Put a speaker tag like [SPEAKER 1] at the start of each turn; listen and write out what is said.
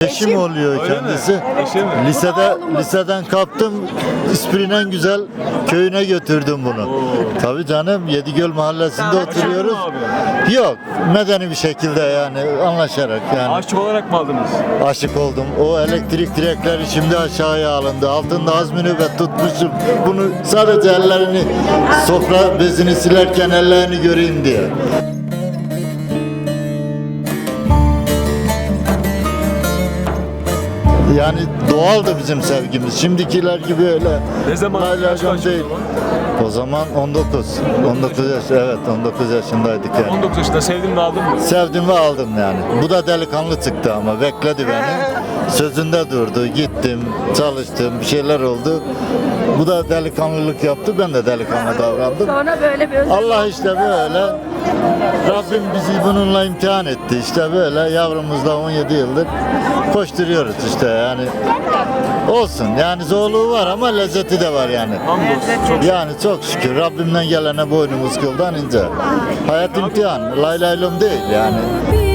[SPEAKER 1] eşim oluyor
[SPEAKER 2] Öyle mi?
[SPEAKER 1] kendisi.
[SPEAKER 2] Eşi mi?
[SPEAKER 1] Liseden kaptım, İspri'nin en güzel köyüne götürdüm bunu. Tabii canım, Yedigöl mahallesinde oturuyoruz.
[SPEAKER 2] Abi.
[SPEAKER 1] Yok, medeni bir şekilde yani anlaşarak yani.
[SPEAKER 2] Aşık olarak mı aldınız?
[SPEAKER 1] Aşık oldum. O elektrik direkleri şimdi aşağıya alındı. Altında az nöbet tutmuşum. Bunu sadece ellerini, sofra bezini silerken ellerini göreyim diye. Yani doğaldı bizim sevgimiz. Şimdikiler gibi öyle.
[SPEAKER 2] Ne zaman? Kaç
[SPEAKER 1] Laylacan değil. O zaman 19. 19 yaş, evet 19 yaşındaydık yani.
[SPEAKER 2] 19 yaşında sevdin mi aldın mı?
[SPEAKER 1] Sevdim ve aldım yani. Bu da delikanlı çıktı ama bekledi beni. Sözünde durdu. Gittim, çalıştım, bir şeyler oldu. Bu da delikanlılık yaptı. Ben de delikanlı davrandım.
[SPEAKER 3] Sonra böyle bir özlem.
[SPEAKER 1] Allah işte böyle. Rabbim bizi bununla imtihan etti. İşte böyle yavrumuzla 17 yıldır koşturuyoruz işte yani. Olsun yani zorluğu var ama lezzeti de var yani.
[SPEAKER 2] Hamdolsun.
[SPEAKER 1] Yani çok şükür Rabbimden gelene boynumuz kıldan ince. Hayat imtihan. Lay laylom değil yani.